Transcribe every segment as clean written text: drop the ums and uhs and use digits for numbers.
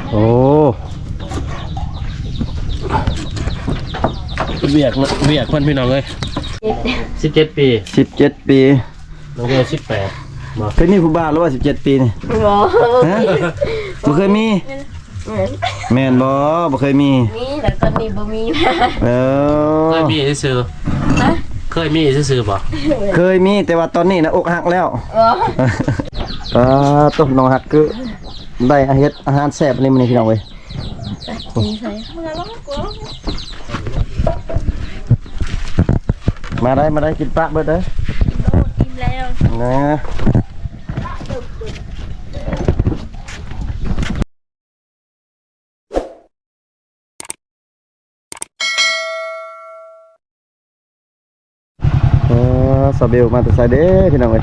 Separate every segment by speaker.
Speaker 1: โอ้เวียกเพื่อนพี่น้องเลย17 ปี
Speaker 2: 17 ปี
Speaker 1: น้องเบล18
Speaker 2: เคยมีผู้บ่าวหรือว่า17 ปีนี่ฮะบ่เคยมีแม่นบ่เคยมี
Speaker 3: แต่ตอนนี้บ่มีนะ
Speaker 1: เคยมีซื่อนะเคยมีซื่อบ่
Speaker 2: เคยมีแต่ว่าตอนนี้นะอกหักแล้วตบน้องหักคือได้เฮ็ดอาหารแซ่บนี่มื้อนี้พี่น้องเว้ยมาได้กินปลาเบิดเด้อ
Speaker 3: กินแล้ว
Speaker 2: นะสบายมาแต่ไซเด้พี่น้องเอ้ย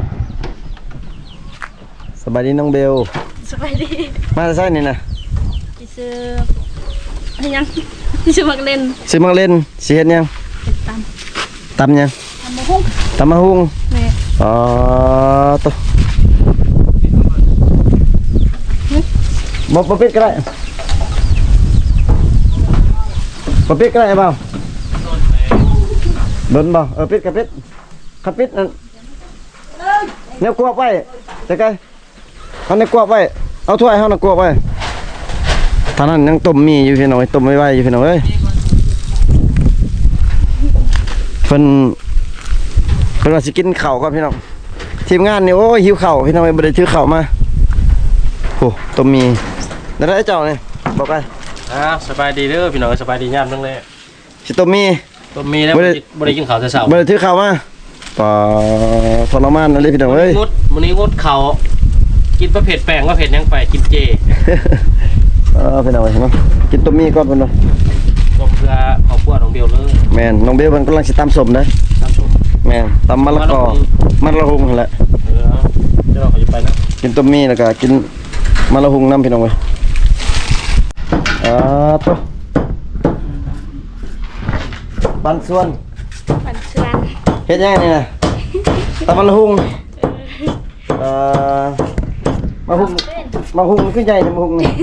Speaker 2: สบายดีน้องเบล
Speaker 3: สบายดี
Speaker 2: มาแต่ไซนี่นะ
Speaker 3: ซื้อยังซื้อมักเล่น
Speaker 2: สิเฮ็ดยังตำยังตำมะฮุ่งแม่ตุ๊บ่ปิดก็ได้บ่ปิดก็ได้เปล่าโดนบ่ปิดกับปิดขับปิดนั่นเนี่ยกลัวไปแต่ไกลเอาเนี่ยกลัวไปเอาถ้วยเอาเนี่ยกลัวไปท่านั้นยังต้มมีอยู่พี่น้องต้มไว้อยู่พี่น้องเอ้ยเพิ่นว่าสิกินข้าวก่อนพี่น้องทีมงานนี่โอ้ยหิวข้าวพี่น้องบ่ได้ถือข้าวมาโอ้ต้มมีได้เจ้านี่บอกไป
Speaker 1: สบายดีเด้อพี่น้องสบายดียามทั้งเลย
Speaker 2: สิต้มมี
Speaker 1: แล้วบ่ได้กินข้าวแต่เช้า
Speaker 2: บ่ได้ถือข้าวมาป่าทรมานอะไรพี่น้องเอ้ย
Speaker 1: มื้อนี้งดข้าวกินประเภทแป้งประเภทยังไปกินเจ
Speaker 2: พี่น้องเนาะกินต้มมีก่อนเพิ่นเนาะ
Speaker 1: ต้มเพื่อครอบครัวน้องเบลเลย
Speaker 2: แม่นน้องเบลเพิ่นกำลังสิตำส้มเด้อตำส้มแม่นตำมะละกอมะละหุงนั่นแหละ
Speaker 1: เดี๋ยวเราจะไปนะ
Speaker 2: กินต้มมีแล้วก็กินมะละหุงน้ำพี่น้องเว้ยตุ๊บันส่วนเฮ็ดยังไงนี่นะตำมะละหุงมะหุงขึ้นใหญ่มะหุงนี่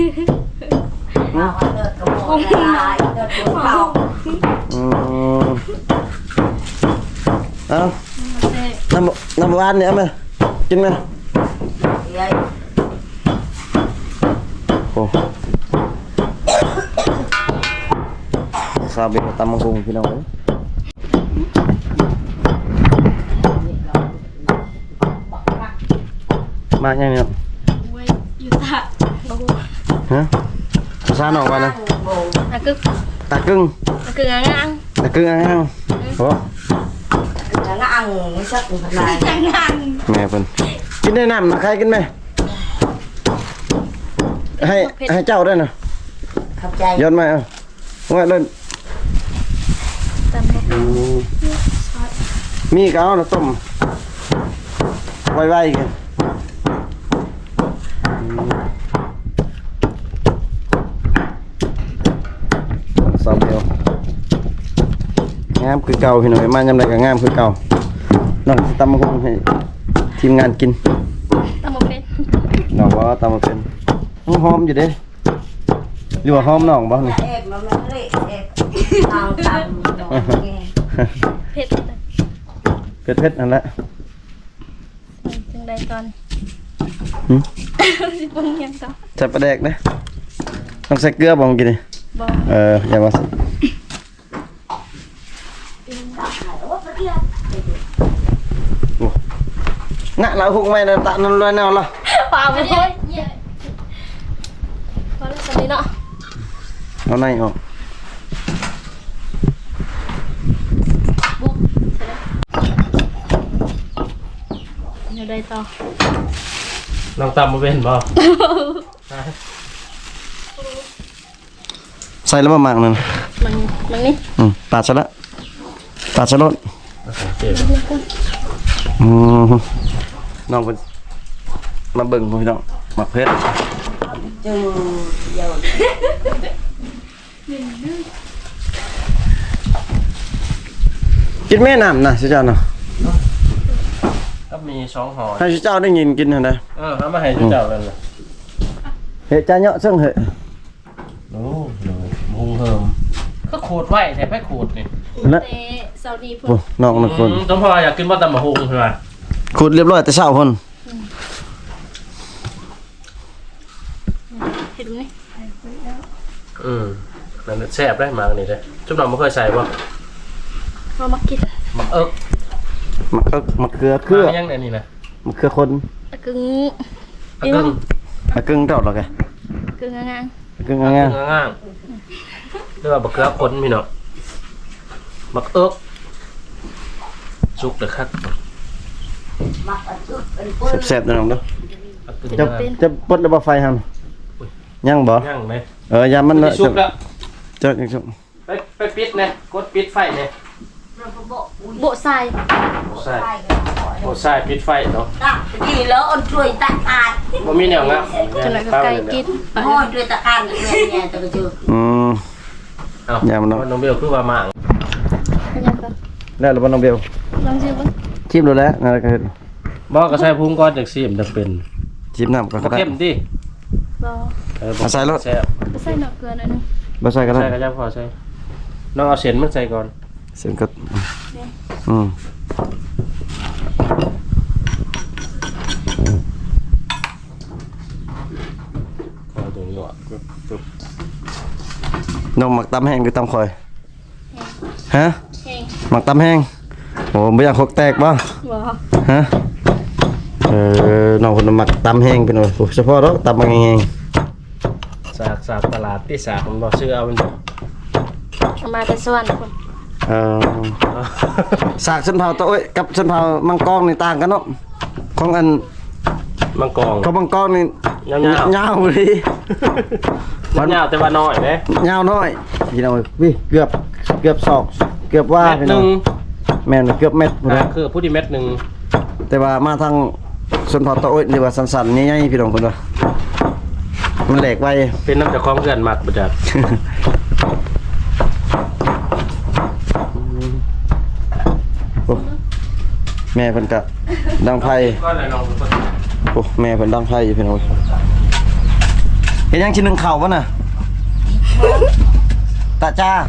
Speaker 2: น้ำหวานเนี่ยเอามากินไหมโอ้ซาบิตำมะฮุงพี่น้องเลยมาอย่างนี้
Speaker 3: อยู่
Speaker 2: ฮะภาษาหนองว่านะตากึ่งอ่างโอ้
Speaker 3: ไม่ชักอะไร
Speaker 2: แม่เพิ่นกินได้น้ำนะใครกินไหมให้เจ้าด้วยนะย้อนมาว่าเล่นมีก็เอาต้มไว้กันสาวเดียวงามคือเก่าพี่น้องมายำไรก็งามคือเก่าน้องตำมะฮุงให้ทีมงานกิน
Speaker 3: ตำมะเป็น
Speaker 2: น้องว่าตำมะเป็นหอมอยู่เด้หรือว่าหอมน้องบ่นี่เผ็ดนั่นแหละ
Speaker 3: จังไดตอนสิปรุงยังต่อ
Speaker 2: ใส่ปลาแดกนะต้องใส่เกลือบ่กินนี่
Speaker 3: บ่
Speaker 2: อย่าว่าสิngã là hùng mày là tạ nó loài nào là
Speaker 3: vào thôi vào là sao đi nọ
Speaker 2: nó này hả
Speaker 3: ở đây to
Speaker 1: lòng tầm một bên bò
Speaker 2: xay lắm mà mạng này
Speaker 3: măng đi
Speaker 2: tạt cho lốtน้องมาเบิ่งพี่น้องหมักเพชรกินแม่น้ำนะสิเจ้าเนาะ
Speaker 1: ก็มี2ห่อ
Speaker 2: ให้สิเจ้าได้ยินกินหั่นได้
Speaker 1: เอามาให้สิเจ้าเลยนะ
Speaker 2: เฮ้ยจ้าเนาะซึ่งเฮ้ย
Speaker 1: เหิมก็ขูดไว้แต่ไม่ขูดนี่
Speaker 2: และ
Speaker 3: เตะเสาร์นี้พุ่
Speaker 2: โอ้
Speaker 3: น
Speaker 2: น้องคน
Speaker 1: ต้องพออยากกินว่าตำมะฮุงใช่ไหม
Speaker 2: ขุดเรียบร้อยแต่เช้าพุ่น
Speaker 3: เห็นไหม
Speaker 1: นั่นแซ่บได้มากนี่เลยจุ๊บน้องไม่เคยใส่ป่ะ
Speaker 3: เรามากิน
Speaker 1: มักเอิก
Speaker 2: มะเขือเครือ
Speaker 1: ยังไงนี่นะ
Speaker 2: มะเขือคน
Speaker 3: อะกึ่ง
Speaker 1: อักกึ่ง
Speaker 2: มะกึ่งเท่าหรอกแก
Speaker 3: กึ่งงาง
Speaker 2: มะกึ่ง
Speaker 1: อัก
Speaker 2: ง่าย
Speaker 1: กึ่งง่างเรียกว่าบักเกลือคนพี่เนาะมักเอิกสุกเด้อครับ
Speaker 2: ๆแซ่บๆนะน้องเด้อ
Speaker 1: อักกึ่ง
Speaker 2: จะ
Speaker 1: ง่าง
Speaker 2: จะปลดระเบิดไฟหั่นยังบ่
Speaker 1: ย่างไหม
Speaker 2: ยามมัน
Speaker 1: สุกแล้ว
Speaker 2: จะจะ
Speaker 1: ไปปิดเนี่ยกดปิดไฟเนี่ย
Speaker 3: โบะทราย
Speaker 1: ใช่โอ้ใช่ปิดไฟเนาะ
Speaker 4: đi lỡ ôn chuối tạ cạn
Speaker 1: บ่มีแนวงับ
Speaker 3: จนไหนก็ไก่กิน
Speaker 4: thôi chuối tạ cạn được nghe nghe tao chưa
Speaker 1: เอา
Speaker 2: ยามเนาะ
Speaker 1: น้องเบลคือว่าหมาง
Speaker 3: ยังก็
Speaker 2: แล้วหรือบ่น้องเบล
Speaker 3: ลองชิมก่อน
Speaker 2: ชิมดูแล้วนั่นก็เฮ็ด
Speaker 1: บ่ก็ใส่พุงก่อนจังซี่มันจะเป็น
Speaker 2: ชิมน้ำก็
Speaker 1: บ่
Speaker 2: ได้
Speaker 1: เข้มดิ
Speaker 3: รอ
Speaker 2: เอาใส่รถ
Speaker 1: แซ่บ
Speaker 3: ไปใส่หน่อเกลือหน่อยนึง
Speaker 2: บ่ใส่ก็ได้
Speaker 1: ใส่ก็จะพอใส่น้องเอาเส้นมันใส่ก่อน
Speaker 2: เสียงก็อืม
Speaker 1: เอาตรงนี้อ่ะปึ๊บ
Speaker 2: น้องหมักตำแห้งหรือตำข่อยฮะ
Speaker 3: แห้ง
Speaker 2: หมักตำแห้งโอ้ไม่อยากคกแตกบ่
Speaker 3: บ่
Speaker 2: ฮะน้องคนหมักตำแห้งเป็นโอ้เฉพาะแล้วตำบางแห้ง
Speaker 1: สากตลาดที่สากมันบ่ซื้อเอามัน
Speaker 3: เอามาแต่สวรรค์พุ่น
Speaker 2: สากส้นเผาตัวเอ้ยกับส้นเผามังกรนี่ต่างกันเนาะของอัน
Speaker 1: มังกร
Speaker 2: ของมังกรนี่
Speaker 1: ยาวๆ
Speaker 2: ยาวเลย
Speaker 1: มันยาวแต่ว่าน้อยเด้
Speaker 2: ยาวน้อยพี่น้องพี่เกือบศอกเกือบว่า
Speaker 1: เม็ด
Speaker 2: พี่
Speaker 1: ห
Speaker 2: น้
Speaker 1: นึ
Speaker 2: อง
Speaker 1: ง
Speaker 2: แม่นเกือบเม็ดพุ่นนะ
Speaker 1: คือผู้ที่เม็ดหนึง
Speaker 2: แต่ว่ามาทางส้นเผาตัวเอ้ยนี่ว่าสั้นๆใหญ่ๆพี่น้องเพิ่นว่ามันแหลกไว
Speaker 1: เป็นน้ำจากของเพื่อนมักบ่จัด
Speaker 2: โอ้แม่เพิ่นก็ดังไพ่
Speaker 1: ก็เลยลองดูก่อน
Speaker 2: โอ้แม่เพิ่นดังไพ่อยู่พี่น้องเห็นยังชิ้นหนึงเข่าวะน่ะตาจ้า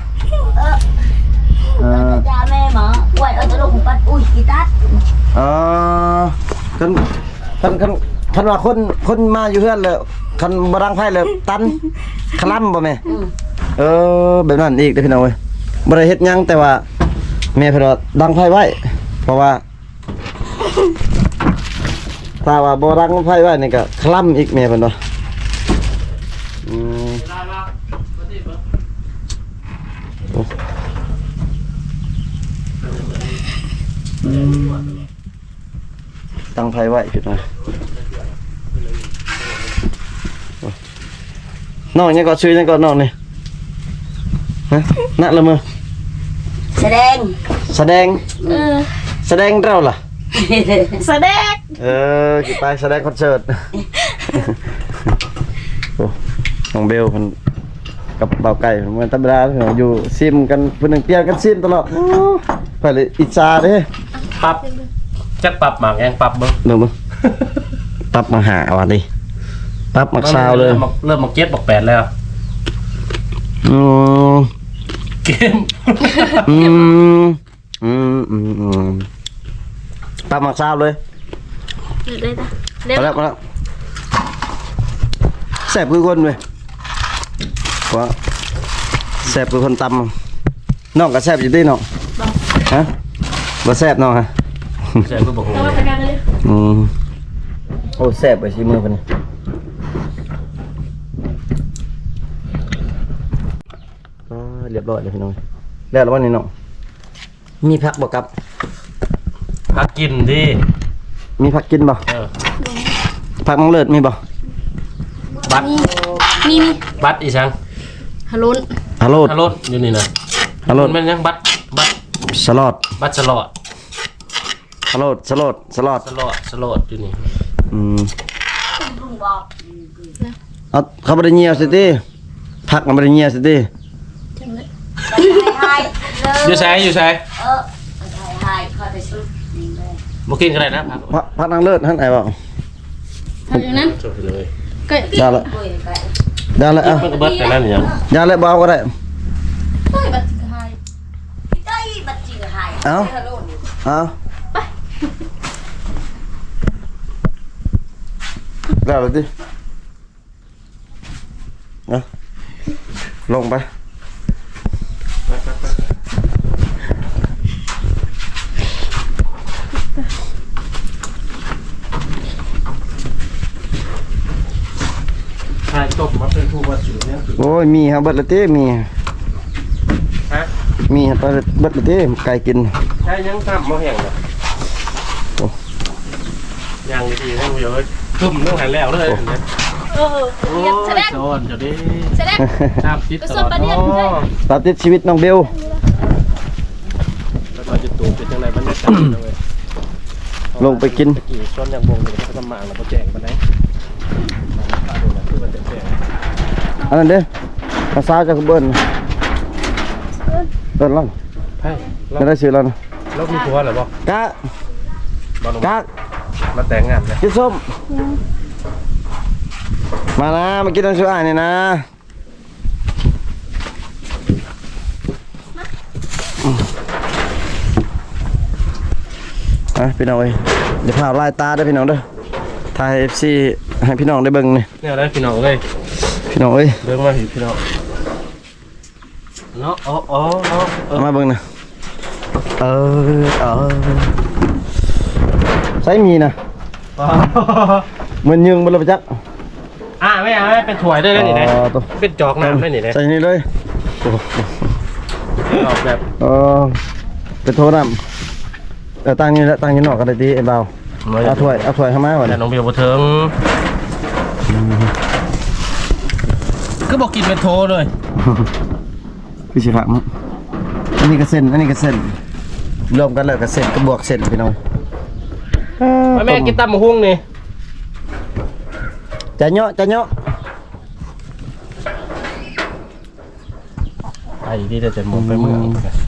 Speaker 4: cha mẹ mà quay ở chỗ đâu cũng bắt ui kỳ tát
Speaker 2: คันว่าคนมาอยู่เฮือนแล้วคันบ่ดังไพ่แล้วตันคลำบ่แม่แบบนั้นอีกเด้อพี่น้องเว้ยบ่ได้เฮ็ดหยังแต่ว่าแม่เพิ่นว่าดังไพ่ไว้เพราะว่าถ้าว่าบ่ดังไพ่ไว้นี่ก็คลำอีกแม่เพิ่นว่าตั้งไพ่ไว้พี่น้องน้องยังก็ชื่อยังก็น้องนี่ฮะนักละมือ
Speaker 4: xe đen
Speaker 2: แสดงแสดงเราล่ะ
Speaker 3: แสดง
Speaker 2: กี่ไปแสดงคอนเสิร์ต โอ้น้องเบลมันกับเบาไก่มันธรรมดาพี่น้องอยู่ซิมกันเพิ่นนึงเปลี่ยนกันซิมตลอดโอ้ไปเลยอิจฉาเด้
Speaker 1: ปรับจักปรับหมากยังปรับเบิ่ง
Speaker 2: เดี๋ยวมึงปรับมาหาวันนี้ปรับมาซาวเลย
Speaker 1: เริ่มมาเก็ตบอก8แล้ว
Speaker 2: อืม
Speaker 1: เกม
Speaker 2: อืมปรับมาซาวเลย
Speaker 3: เลยจ้ะเร็ว
Speaker 2: มาแล้วแซ่บคือคนเว้ยว่าแซ่บคือคนตำน้องก็แซ่บอยู่ที่น้องฮะบ่แซ่บน้องฮะ
Speaker 1: ใช่คือบอก
Speaker 3: เอามาจัดการเลย
Speaker 2: โอ้แซ่บไปชิมือเพิ่นเรียบร้อยเลยพี่น้องแล้ววันนี้น้องมีผักบ่ครับ
Speaker 1: พักกินดิ
Speaker 2: มีผักกินบ่
Speaker 1: เออ
Speaker 2: ผักมังเลิศมีบ่
Speaker 1: บัตร
Speaker 3: มี
Speaker 1: บัตรอีสัง
Speaker 3: ฮัลโหล
Speaker 2: ฮัลโหล
Speaker 1: ฮัลโหลอยู่นี่นะ
Speaker 2: ฮัลโหล
Speaker 1: มันเป็นยังบัตร
Speaker 2: สลอด
Speaker 1: บัตรสลอด
Speaker 2: ฮัลโหลสลอด
Speaker 1: สลอดอยู่นี่
Speaker 4: rung bọt
Speaker 2: เอาเขาบ่ได้เหี่ยวสิติผักมันบ่ได้เหี่ยวสิติ
Speaker 3: จังเลย
Speaker 4: hai
Speaker 1: อยู่ใช้อยู่ใช้
Speaker 4: hai coi thấy sút
Speaker 1: บ่กินก็ได้นะพัก
Speaker 2: ผักนางเลิศหั่นไอ้บ่
Speaker 3: เอาอย่างนั้น
Speaker 1: จบเลย
Speaker 3: ก็
Speaker 2: ได้ละ
Speaker 4: ui cái
Speaker 2: ได้ละเอา
Speaker 1: มันก็เบิดแต่นั่นอย่าง
Speaker 2: อย่าเลยบ่เอาก็ได้เอาเอาได้แล้วดิเอาลงไป
Speaker 1: ใช่ต้มมาเป็นผู้วัดสูตรเนี่ย
Speaker 2: โอ้ยมีฮะเบิดละเต้มี
Speaker 1: ฮะ
Speaker 2: มีฮะเบิดละเต้ไก่กิน
Speaker 1: ใช่ยังซ้ำมาแห้งเลย
Speaker 2: โอ้
Speaker 1: ยังดีๆให้เยอะตุ่มต้องหันแล้วเลย
Speaker 3: เออ
Speaker 1: โอ้
Speaker 3: เรียกแสด
Speaker 1: ย
Speaker 3: ง
Speaker 1: โดนจะได้
Speaker 3: แสดง
Speaker 1: ตามติดตลอด
Speaker 2: ตามติดชีวิตน้องเบล
Speaker 1: แล้วก็จะตูเป็นจังไรบรรยากาศเลย
Speaker 2: ลงไปกิน
Speaker 1: ตะกี้ช้อนยังบงอยู่ก็ทำมาแล้วก็แจงไปไหนคือมันแจง
Speaker 2: อันนั้นเด้ภาษาจากเบิ้ลเบิ้ลล่อง
Speaker 1: ไพ่
Speaker 2: ไม่ได้ชื่อแล้วนะ
Speaker 1: เรามีผัวหรือเปล่าก
Speaker 2: ะ
Speaker 1: บอล
Speaker 2: กะ
Speaker 1: มาแต่งงานเลย
Speaker 2: กินส้มมานะมากินน้ำชูอ่านนี่นะพี่น้องเอ้ยเดี๋ยวพาไล่ตาด้วยพี่น้องเด้อถ่าย FC ให้พี่น้องได้เบิ่งนี่
Speaker 1: เนี่ยได้พี่น้องเลย
Speaker 2: พี่น้องเอ้ย
Speaker 1: เบิ่งมาพี่น้องเนาะอ๋อ
Speaker 2: เอามาเบิ่งนะใช้มีนะมันยึงบ่ล่ะปะจ๊ะ
Speaker 1: ไม่เอาเป็นถ้วยได้เลยนี่นะ
Speaker 2: ตัว
Speaker 1: เป็นจอกน้ำได้นี่นะ
Speaker 2: ใส่นี่เลยโอ้
Speaker 1: ออกแบบ
Speaker 2: เป็นโทษน้ำตั้งนี่แล้วตั้งนี่นอกก็ได้ดีไอ้เบาเอาถ้วยเข้ามาก่อน
Speaker 1: แต่น้องเบียร์บ่ถึงก็บอกกินเป็นโทเลย
Speaker 2: พี่ชิระมั้งอันนี้ก็เส้นรวมกันแล้วก็เส้นก็บวกเส้นพี่น้อง
Speaker 1: แม่กินตำมะฮุ่งนี่
Speaker 2: จะเนาะ
Speaker 1: ไอ้ที่จะหมดไปเมือง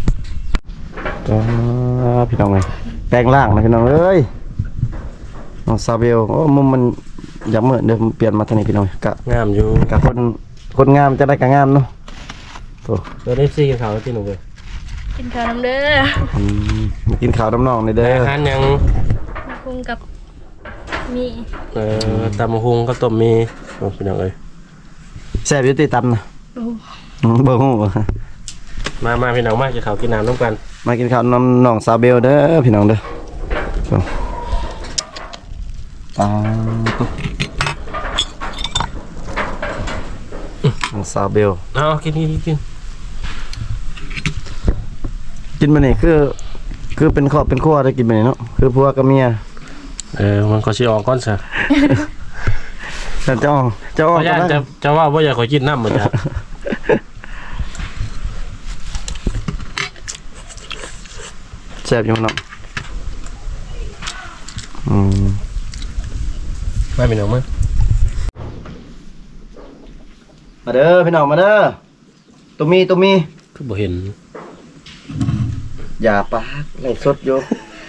Speaker 2: พี่น้องเลยแปลงร่างนะพี่น้องเอ้ยน้องซาเบลโอ้มุมมันอยากเหมือนเดิมเปลี่ยนมาทางนี้พี่น้องกะ
Speaker 1: งามอยู่
Speaker 2: กะคนงามจะได้กะงามเนาะโอ้
Speaker 1: เดี๋ยวได้ซีกินข้าวที่หนูเลย
Speaker 3: กินข้าวน้ำเด้อ
Speaker 2: มากินข้าวน้ำนองในเด้อ
Speaker 1: อาหารยัง
Speaker 3: มาคุงกับมี
Speaker 1: ตำมะฮุ่งก็ต้มมีโอ้พี่น้องเอ้ย
Speaker 2: แซ่บอยุติตำนะ
Speaker 3: โอ้
Speaker 2: เบอร์หู
Speaker 1: มาพี่น้องมากินข้าวกินน้ำร่วมกัน
Speaker 2: มากินข้าวน้ำน้องซาเบลเด้อพี่น้องเด้อตุ๊น้องซาเบล
Speaker 1: เอากิน
Speaker 2: กินมาเนี่ยคือเป็นครอบเป็นครัวได้กินมาเนี่ยเนาะคือผัวกับเมีย
Speaker 1: มันก็ชิออกก้อนซะ
Speaker 2: แต่เจ้า
Speaker 1: เพราะญาติจะว่าอยากขอกินน้ำเหมือนกัน
Speaker 2: แซ่บอยู่เนาะ
Speaker 1: ไม่เป็นหนูมั้ง
Speaker 2: มาเด้อพี่น้องมาเด้อตัวมี
Speaker 1: คือบ่เห็น
Speaker 2: อย่าปากไหลสดอยู่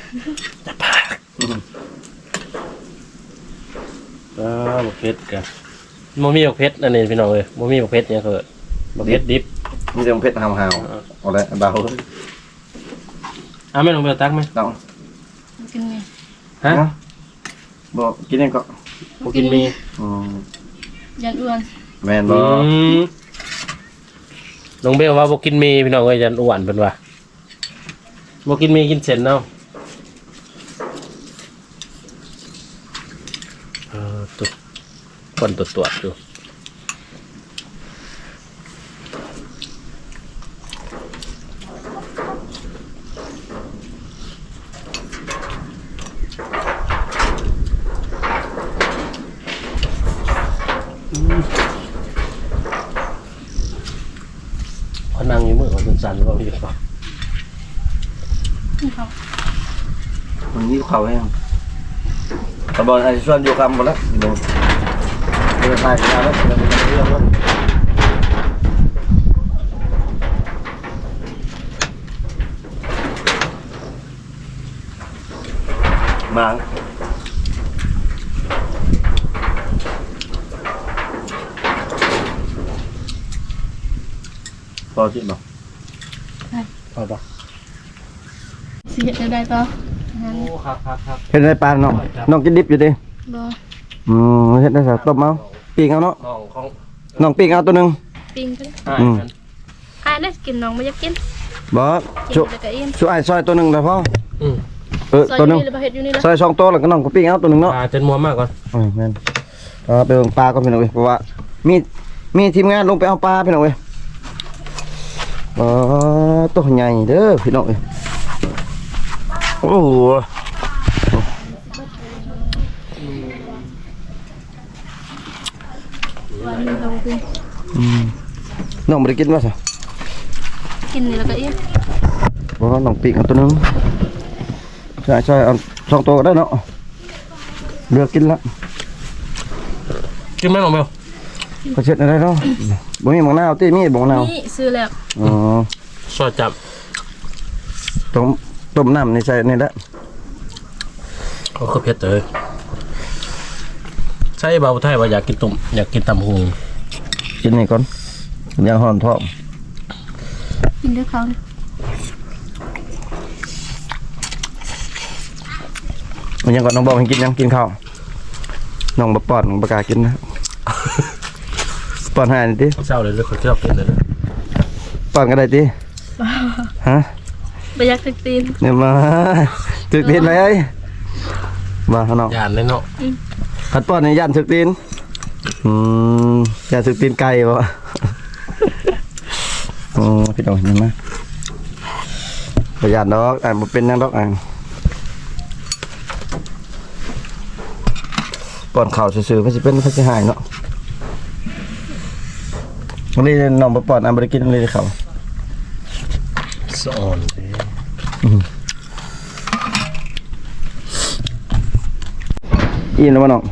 Speaker 1: บกเพชรกันโมมีบกเพชรอันนี้พี่น้องเลยโมมีบกเพชรเนี่ยคือบกเพชรดิบ
Speaker 2: มีแต่เพชรหาวๆเอาละเบา
Speaker 1: ไม่ลงไปตักไหม
Speaker 2: ต้อง
Speaker 3: กินไง
Speaker 1: ฮะ
Speaker 2: บอกกินเองก็
Speaker 1: บกินมี
Speaker 3: ยันอ้วน
Speaker 2: แมนบอก
Speaker 1: ลงเบลว่าบกินมีพี่น้องเลยจะอ้วนเป็นว่าบกินมีกินเส้นเนาะตุ๊ดคนตรวจดูพนังอยู่มือของสันๆว่าพี่ก็
Speaker 2: มันนี้เขาแห้งตะบอลไอ้ส่วนอยู่คำหมดแล้วเดี๋ยวจะถ่ายกันแล้วเดี๋ยวจะเรื่องแล้วมาพอจิตบ่
Speaker 1: พอปะ
Speaker 3: สิเฮ็ดได้ต่อ
Speaker 1: โอ้ครับครับครับ
Speaker 2: เฮ็ดได้ปลาน้องกินดิบอยู่ดิ
Speaker 3: บ่
Speaker 2: เฮ็ดได้ซะต้มเอาปิ้งเอาเนาะ
Speaker 1: น้องของ
Speaker 2: น้องปิ้งเอาตัวหนึง
Speaker 3: ปิ้งกัน
Speaker 1: อ้ายกัน
Speaker 3: อ้ายได้กินน้องบ่อยากกิน
Speaker 2: บ่
Speaker 3: กิ
Speaker 2: ชุ
Speaker 3: นแต่ก็อิ่ม
Speaker 2: ชุอ้ายซอยตัวหนึงได้พอ
Speaker 1: อืม
Speaker 3: ซอย
Speaker 2: ตัว
Speaker 3: อ
Speaker 2: หนึ
Speaker 3: ยู่
Speaker 2: ง
Speaker 3: นี่หรือบ่เฮ็ดอยู่นี่ล่ะ
Speaker 2: ซอย2ตัวแล้วก็น้องก็ปิ้งเอาตัวหนึงเนาะ
Speaker 1: ปลาจนมัวมากก่อน
Speaker 2: แม่นไปเบิ่งปลาก่อนพี่น้องเว้ยเพราะว่ามีทีมงานลงไปเอาปลาพี่น้องเว้ยตัวใหญ่เด้อพี่น้องเว้ยโอ้โห
Speaker 3: วันนี้เรากิน
Speaker 2: น้องบ่ได้กินว่าซะ
Speaker 3: กินนี่แล้วก็อิ่ม
Speaker 2: บ่น้องปิ้งเอาตัวหนึงใช่เอา2ตัวก็ได้เนาะเลือกกินละ
Speaker 1: กินไหมน้องเบล
Speaker 2: ก็เช็ดได้เนาะบ่มีมะนาวติมีบ่มะนาว
Speaker 3: นี่ซื้อแล้ว
Speaker 2: อ๋อ
Speaker 1: ซอยจับ
Speaker 2: ต้มน้ำในใส่นี่ละ
Speaker 1: เขาคือเพชรเลยใช่เบาไทยว่าอยากกินตุ่มอยากกินตำหู
Speaker 2: กินนี่ก่อนยางห่อนท้อง
Speaker 3: กินด้วยเขานี่
Speaker 2: มันยังก่อนน้องบอกให้กินยังกินข้าวน้องบ่ป้อนน้องบ่กล้ากินนะ ป้อนให้นี่ติ
Speaker 1: เศร้าเลยเลยคนชอบกินเลย
Speaker 2: ป้อนก็ได้ติฮะ
Speaker 3: บ่อยากถึกตีน
Speaker 2: เนี่ยมาถึกตีนไหมเอ้ยมาเนาะ
Speaker 1: ยานเลยเนาะ
Speaker 2: ขัดป้อนในย่านถึกตีนย่านถึกตีนไก่บ่ พี่น้องเห็นไหมประหยัดดอกบ่เป็นหยังดอกป้อนข้าวซื่อๆก็สิเป็นก็สิหายเนาะวันนี้น้องบ่ป้อนบ่ได้กินเลยข้าว
Speaker 1: สะอ่อนเลย
Speaker 2: อีนแล้วบ่น้อง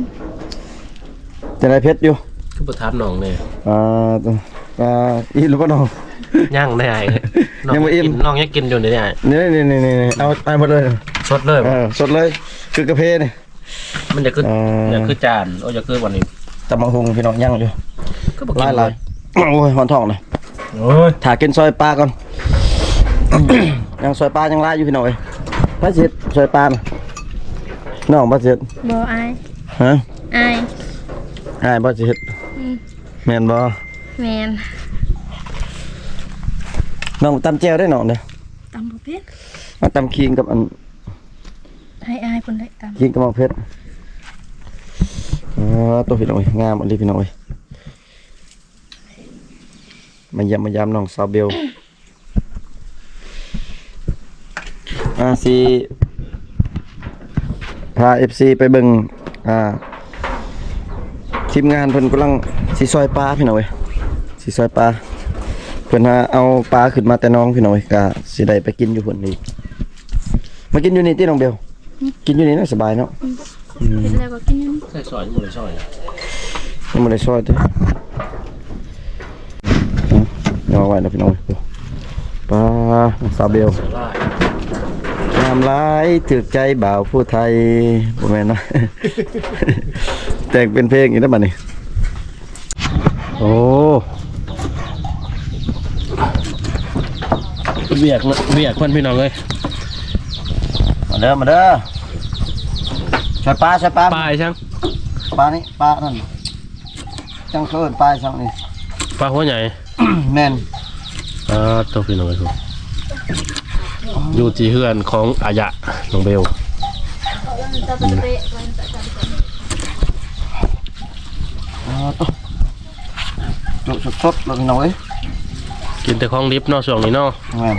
Speaker 2: จะได้เพชรอยู่
Speaker 1: คือประทับน้องเลย
Speaker 2: อีนแล้วบ่น้อง
Speaker 1: ย่างได้ไอ้น้อง
Speaker 2: ยังบ่อิ่ม
Speaker 1: น้องยังกินอยู่เนี่ย
Speaker 2: นี่เอาไปหมดเลย
Speaker 1: สดเลย
Speaker 2: สดเลยคือกาแฟนี่
Speaker 1: มันจะขึ้นจะขึ้นจานโอ้จะขึ้นวันนี้
Speaker 2: ตำบักหุ่งพี่น้องย่างอยู่
Speaker 1: ก็บอกกิน
Speaker 2: หลายโอ้ยหอนท้องเลย
Speaker 1: โอ้ย
Speaker 2: ถ่ากินซอยปลาก่อน ยังซอยปลายังลายอยู่พี่น้องเอ้ยพระเจ็ดซอยปลาน่ะน้องพระเจ็ด
Speaker 3: บ่อาย
Speaker 2: ฮะ
Speaker 3: อาย
Speaker 2: ง่ายพระเจ็ด
Speaker 3: อืม
Speaker 2: แม่นบ่
Speaker 3: แม่น
Speaker 2: น้องตำแจ่วได้น้องเด้อ
Speaker 3: ตำบ่เป็น
Speaker 2: มาตำคิงกับอัน
Speaker 3: ให้อายเพิ่นได้ตำ
Speaker 2: คิงกับมะเพชรตัวพี่น้องเอ้ยงามอันนี้พี่น้องเอ้ยมาเยี่ยมมายามน้องสาวเบลสิพา FC ไปเบิ่งทีมงานเพิ่นกำลังสิซอยปลาพี่น้องเอ้ยสิซอยปลาเพิ่นเอาปลาขึ้นมาแต่น้องพี่น้องเอ้ยก็สิได้ไปกินอยู่เพิ่นอีกมากินอยู่นี่ติน้องเบลกินอยู่นี่น่าสบายเนาะ
Speaker 3: เฮ็ดแล้วก็กินอยู่นี่
Speaker 1: ใส่ซอยหมดเลยซอย
Speaker 2: ยังบ่ได้ซอยติเอาไว้นะพี่น้องเอ้ยปลาสาวเบล
Speaker 1: ได้
Speaker 2: งามหลายถึกใจบ่าวผู้ไทยบ่แม่นนะ แต่งเป็นเพลงอีกแล้วบัดนี้โอ้
Speaker 1: เบียกคนพี่น้องเลย
Speaker 2: มาเด้อใส่ปลา
Speaker 1: ปลายช่าง
Speaker 2: ปลานี่ปลานั่นจังเคินปลาช่างนี่
Speaker 1: ปลาหัวใหญ่
Speaker 2: แม่น
Speaker 1: ตัวพี่น้องเลยครับอยู่ที่เฮือนของอายะน้องเบล
Speaker 2: ตัวสดๆแล้วพี่น้องเอ้ย
Speaker 1: กินแต่ของดิบเนาะช่วงนี้เนาะ
Speaker 2: แม่น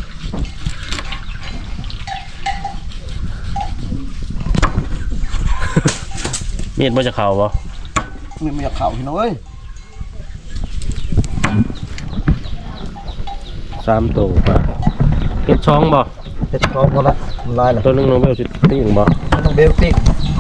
Speaker 1: มีดมันจะเข่าบ่
Speaker 2: มีอยากเข้าพี่น้องเอ้ย
Speaker 1: 3ตัวปลาเก็บช่องบ่
Speaker 2: เฮ็ดพร้อมหมดละมันลายแล้ว
Speaker 1: ตัวหนึงน้องเบลสิติ้งบ่
Speaker 2: ต้องเบลติก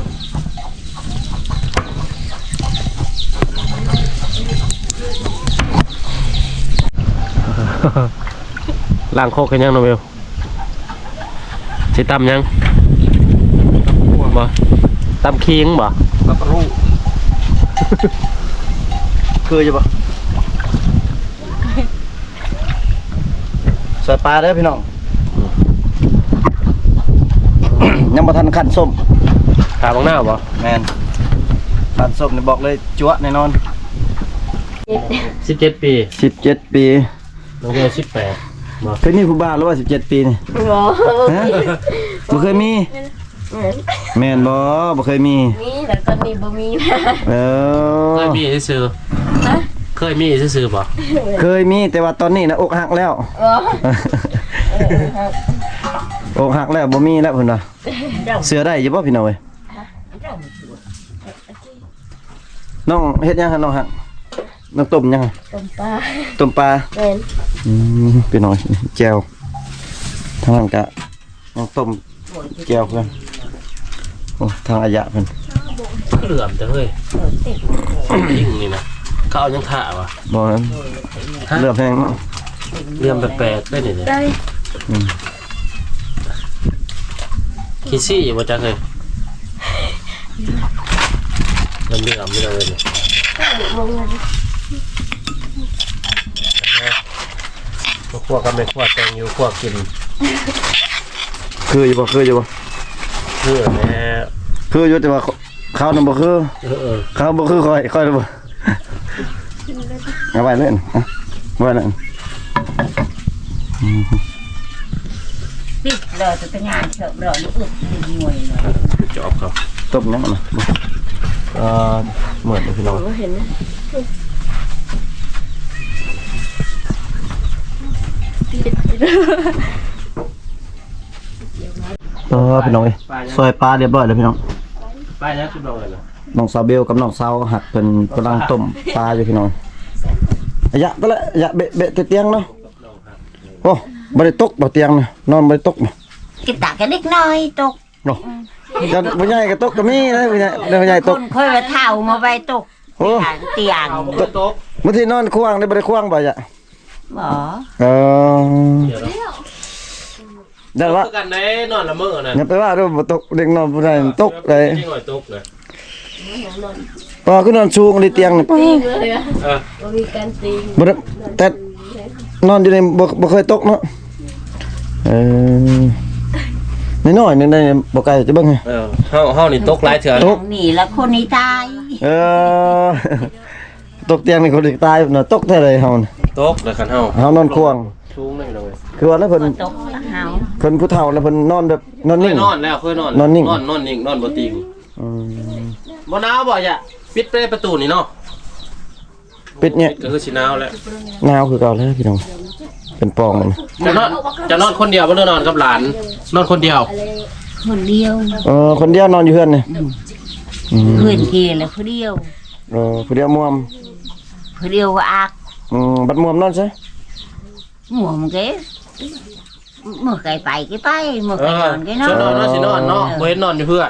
Speaker 1: ล้างโคกให้ยังน้องเบลสิตำยังบ่ตำคิงบ่
Speaker 2: ปลากระรูคืออยู่ปะใส่ปลาเด้อพี่น้องยังบ่ทันขั้นส้ม
Speaker 1: ขาบังหน้าบ่
Speaker 2: แม่นขั้นส้มนี่บอกเลยจั๊วแน่นอน
Speaker 1: 17 ปี
Speaker 2: 17 ปี
Speaker 1: น้องเบล18บ่
Speaker 2: เคยมีผู้บ่าวหรือว่า17 ปีนี่
Speaker 3: บ่
Speaker 2: ฮะบ่เคยมีแม่นบ่เคยมี
Speaker 3: มีแต่ตอนนี้บ่มีนะ
Speaker 2: เอ
Speaker 1: เค
Speaker 2: อย
Speaker 1: มีซื่อๆเคยมีซื่อๆบ่
Speaker 2: เคยมีแต่ว่าตอนนี้นะอกหักแล้ว
Speaker 3: บ่
Speaker 2: อกหักแล้วบ่มีแล้วเพิ่นว่าเสือได้อยู่บ่พี่น้องเอ้ยน้องเฮ็ดหยังหั่นน้องหักน้องต้มหยังหั่น
Speaker 3: ต้มปลา
Speaker 2: ต้มปลา
Speaker 3: แม่น
Speaker 2: พี่น้อยแจ่วทางนั้นก็น้องต้มแจ่วเพิ่นโอ้ทางอายะเพิ่น
Speaker 1: เหลื่อมแต่เฮ้ยยิ่งนี่นะเขาเอายังถ่าวะ
Speaker 2: บ่นั้นเลือบแพงเนาะ
Speaker 1: เหลื่อมแปลกๆได้นี่เลย
Speaker 3: ได้
Speaker 1: คิดซี่อยู่บ่จักเลยเหลื่อมๆนี่เลยนี่คั่วกันไม่คั่วแตงอยู่คั่วกิน
Speaker 2: คืออยู่บ่คืออยู่บ่
Speaker 1: เพื่อแม่
Speaker 2: คืออยู่แต่ว่าข้าวนํบ่คือ
Speaker 1: เออ
Speaker 2: ข้าวบ่คือค่อยบ่เอาไว้เลยนะเอาไว้เลย
Speaker 4: ปิดเลยจะเป็นงานเฉลิมเลยลูกอึดหน่วยเลย
Speaker 1: จอบครับ
Speaker 2: ต้มยังนะเหมือนพี่น้อง
Speaker 3: บ่เห็นนะ
Speaker 2: พี่น้องเอ้ยซอยปลาเรียบร้อยแล้วพี่น้อง
Speaker 1: ไปนะคุณน้องเลยนะ
Speaker 2: น้องสาวเบลกับน้องสาวหักเป็นกำลังต้มปลาอยู่พี่น้องอะยะไปละยะเบะเตียงเนาะโอ้บ่ได้ตกบ่เตียงนะนอนบ่ได้ตกบ่
Speaker 4: กินตากันเล็กน้อยตก
Speaker 2: เนาะกันบ่ใหญ่ก็ตกก็มีนะบ่ใหญ่บ่ใหญ่ต
Speaker 4: ค
Speaker 2: ก
Speaker 4: นค่อยมาเท่ามาไว้ตก
Speaker 2: โอ้
Speaker 4: เตียง
Speaker 1: โต๊ะ
Speaker 2: มื้อที่นอนควางได้บ่ได้ควางบ่ยะ
Speaker 4: บ่
Speaker 2: เออ
Speaker 1: เดี๋ยวเรา
Speaker 2: ได้ว่า
Speaker 1: กันได้นอนละเมอนะ
Speaker 2: อย่าไปว่าเด้อบ่ตกเด็กนอนบ่ได้ตกเลย
Speaker 1: นี่หน่อยตกเลย
Speaker 2: พอคือนอนสูงเลยเตียงนี่ปะ
Speaker 3: ตีเลยอ่ะ
Speaker 1: เออ
Speaker 3: บ่มีการตี
Speaker 2: บ่ได้แต่นอนอยู่ในบ่เคยตกเนาะน้อยๆนึงได้บ่ไกลจะเบิ่งให้
Speaker 1: เออเฮานี่ตกหลายเถื่อ
Speaker 2: ตก
Speaker 4: นี่ละคนนี้ตาย
Speaker 2: เออตกเตียงนี่คนอีกตายเนาะตกแท้เลยเฮาน่ะ
Speaker 1: ตกเลยคันเฮา
Speaker 2: เฮานอนควง
Speaker 1: สูงเลยพี่น้องเอ้ย
Speaker 2: คือว่าแล้วเพิ่น
Speaker 4: ตกเฮา
Speaker 2: เพิ่นผู้เฒ่าแล้วเพิ่นนอนแบบนอน
Speaker 1: เค
Speaker 2: นิ่
Speaker 1: ย
Speaker 2: ง
Speaker 1: นอนแล้วเคยนอน
Speaker 2: นอนนิ่ง
Speaker 1: นอนนิ่งนอนบ่ติง
Speaker 2: อืม
Speaker 1: บ่หนาวบ่อย่าปิดประตูนี่เนาะ
Speaker 2: ปิดเนี่ย
Speaker 1: ก็คือสิหนาวแล้ว
Speaker 2: หนาวคือเก่าแล้วพี่น้องเป็นปองเลยนะ
Speaker 1: จะนอนคนเดียวบ่ได้นอนกับหลาน นอนคนเดียว
Speaker 4: คนเดียว
Speaker 2: คนเดียวนอนอยู่เฮือนนี่
Speaker 4: เพื่อนเกลแล้วคนเดียว
Speaker 2: ผู้เดียวม่วม
Speaker 4: คนเดียวว่าอัก
Speaker 2: บัดม่วมนอนซะ
Speaker 4: หมู่มันก็เมื่อไก่ไปก็ไปเมื่อ
Speaker 1: เอ
Speaker 4: ไก่น
Speaker 1: อ
Speaker 4: อนก็น
Speaker 1: สิน
Speaker 4: อ
Speaker 1: อน
Speaker 4: น
Speaker 1: เนาะสินอนเนาะบ่เห็นนอนอยู่เพื่อน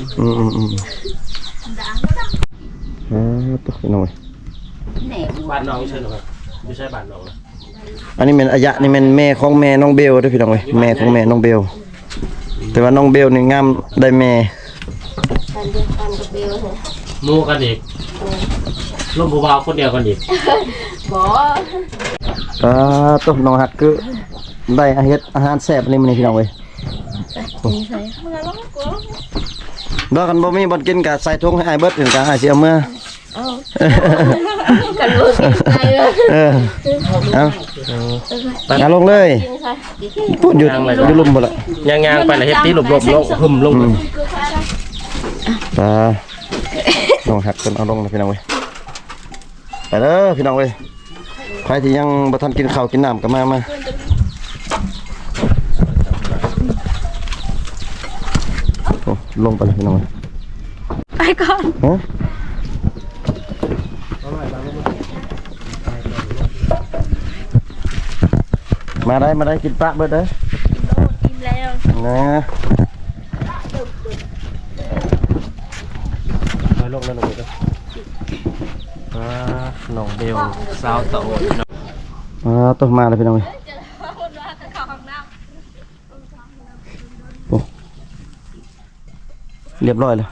Speaker 2: ตุ๊กพี่น้อง
Speaker 4: แหน่
Speaker 1: บ้านน้องใช่หรอครับไม่ใช่บ้านน้องนะ
Speaker 2: อันนี้เป็นอายะนี่เป็นแม่ของแม่น้องเบลเด้วยพี่น้องเว้ยแม่ของแม่น้องเบลแต่ว่าน้องเบลนี่งามได้แม่
Speaker 3: การเดียวกันกับเบลเหรอ
Speaker 1: หมู่กันอีกร่วมผู้บ่าวคนเดียวกันอีก
Speaker 3: บ่
Speaker 2: ตุ๊กน้องหักคือได้อาเฮ็ดอาหารแซ่บนี่มื้อนี้พี่น้องเว้ย
Speaker 3: ตีใส่มึงเอากลัว
Speaker 2: ดอกกันบ่มีบ่กินก็ใส่ถุงให้อ้ายเบิดถึงก็อ้ายสิเอามื้อ
Speaker 3: เอากันบ่กินใส่เลย
Speaker 2: เอาลงเลย
Speaker 3: กินใส่
Speaker 2: พูดอยู่ลุมบ่ล่ะ
Speaker 1: ย่างๆไปแล้วเฮ็ดที่หลบๆลงหึมลง
Speaker 2: น้องหักเพิ่นเอาลงนะพี่น้องเว้ยไปเด้อพี่น้องเว้ยใครที่ยังบ่ทันกินข้าวกินน้ำก็มาโอ้ลงไปเลยพี่น้องเว้ย
Speaker 3: ไปก่อน
Speaker 2: ฮะมาได้กินปลาเบิดเด้อ
Speaker 3: กินแล้ว
Speaker 2: นะ
Speaker 1: ไปลงแล้วลงไปน้องเบลสาวโต
Speaker 2: ต้นมาเลยพี่น้องเว้ยโอ้เรียบร้อยเลย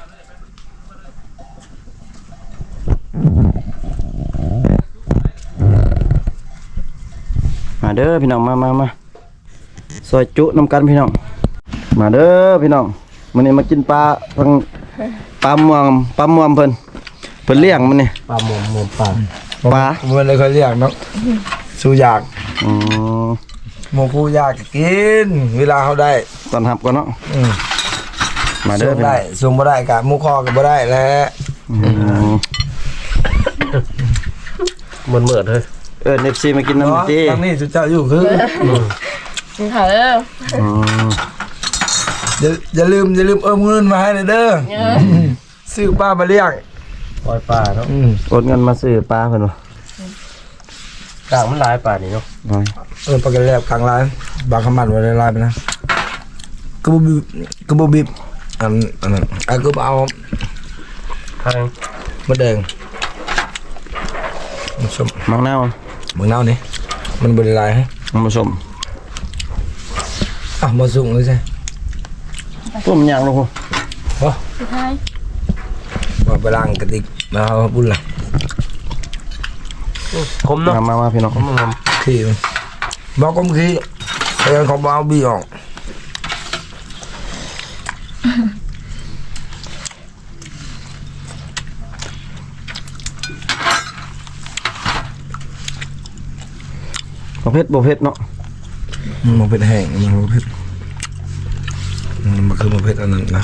Speaker 2: มาเด้อพี่น้องมาซอยจุน้ำกันพี่น้องมาเด้อพี่น้องมื้อนี้มากินปลาทางปลาม่วงเพิ่นเลี้ยงมันนี่
Speaker 1: ปลาหมอมปลา
Speaker 2: ปลา
Speaker 5: มันเลยค่อยเรียกเนาะสู้อยาก
Speaker 2: อืม
Speaker 5: หมูผู้อยากกิน เวลาเขาได้
Speaker 2: ตอนรับก่อนเนาะ
Speaker 5: อืม
Speaker 2: มาเด้
Speaker 5: ส่
Speaker 2: อง
Speaker 5: ได้ส่งบ่ได้กะหมูคอก็บ่ได้แล้ว
Speaker 2: อืม
Speaker 1: เหมือนเฮ้ย
Speaker 2: FC มากินน้ำ
Speaker 5: เนาะ
Speaker 2: ตี
Speaker 5: ทางนี้สุดเจ้าอยู่คือ
Speaker 3: กินข้าวเด้อ
Speaker 2: อืม
Speaker 5: อย่าลืมเงินมาให้เลยเด้อซื้อป้ามาเลี้ยง
Speaker 1: ปล่อยปลาเนาะ
Speaker 2: โอนเงินมาซื้อปลาเพิ่นบ่
Speaker 1: กลางมันหลายปลานี่เนาะ
Speaker 5: ปากกาแลบกลางร้านบางขมันไว้ในร้านไปนะกระบุบิบอันนั้นก็เอา
Speaker 1: ทาง
Speaker 5: มะแดงมันชม
Speaker 2: มังนาว
Speaker 5: เมืองเน่านี่มันบริลายฮะ
Speaker 2: มันผสม
Speaker 5: มาสุ่งเลยใช่
Speaker 2: ต้มยางลูกพ่อ
Speaker 3: สุดท้าย
Speaker 5: มาไปล้างกระติกมาเอาบุญละ
Speaker 1: คมเนาะ
Speaker 2: มาพี่น้อง
Speaker 1: คมงาม
Speaker 5: ขี้มันบอกก็ขี้ไอ้ของเอาบีออก
Speaker 2: บ่เผ็ดเนาะ
Speaker 5: มันเป็นแห้งมันเผ็ดมันคือมันเผ็ดอันนั้นนะ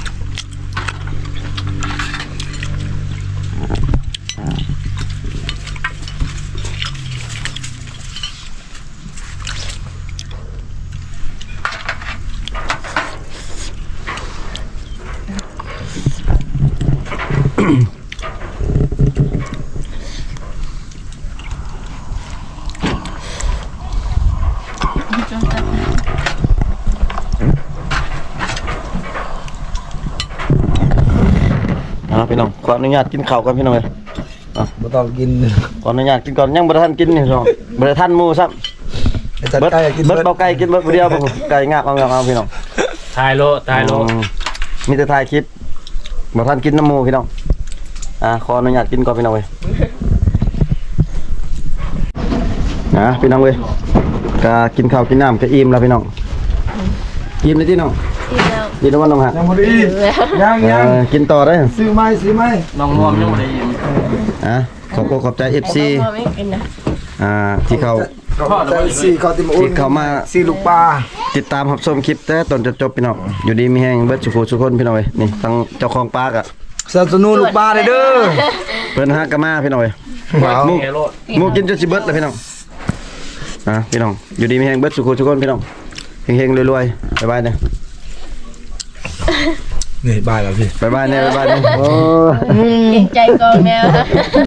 Speaker 2: พี่น้องขออนุญาตกินข้าวกันพี่น้องเอ้ย
Speaker 5: บ่ต้องกิน
Speaker 2: ขออนุญาตกินก่อนยังบ่ทันกินนี่พี่น้องบ่ได้ทันหมู่ซ้ำ
Speaker 5: ไอ้จัด
Speaker 2: เบิด
Speaker 5: ไก่กิน
Speaker 2: เบิดเบาไก่กินเบิดผู้เดียวบ่ไก่งาบเอาพี่น้อง
Speaker 1: ทายโล
Speaker 2: มีแต่ถ่ายคลิปบ่ทันกินน้ำหมูพี่น้องขออนุญาตกินก่อนพี่น้องเว้ยพี่น้องเว้ยก็กินข้าวกินน้ำก็อิ่มแล้วพี่น้องอิ่มเลยที่น้อง
Speaker 3: กินแล้ว
Speaker 2: อิ่มแล้วว่าน้องฮะ
Speaker 5: ยังบ่ได้ยัง
Speaker 2: กินต่อได้
Speaker 5: ซื้อไหม
Speaker 1: น้องมอมยังไม่ได้ยิน
Speaker 2: ขอบใจ FC
Speaker 3: พ่อไม่กินนะ
Speaker 2: ที่เขา
Speaker 5: ใจสี่เขาติมอุ่น
Speaker 2: ที่เขามา
Speaker 5: สี่ลูกปลา
Speaker 2: ติดตามรับชมคลิปแต่ต้นจนจบพี่น้องอยู่ดีมีแห้งเบิดสุขสุขคนพี่น้องเว้ยนี่ทั้งเจ้าของปากอ่ะ
Speaker 5: สนับสนุนลูกปลาเลยเด้อ
Speaker 2: เพิ่นฮักกะมาพี่น้องเว้ย
Speaker 5: ว้าว
Speaker 2: หมูกินจนสิเบิดแล้วพี่น้องพี่น้องอยู่ดีมีแห้งเบิดสุขสุขคนพี่น้องเฮงๆรวยๆบ๊ายบายเนี่ย
Speaker 5: นี่บายแล้วพี่
Speaker 2: บ๊ายบายเนี่ยบ๊ายบายเนี่ยโอ้
Speaker 3: เก่งใจกองแนว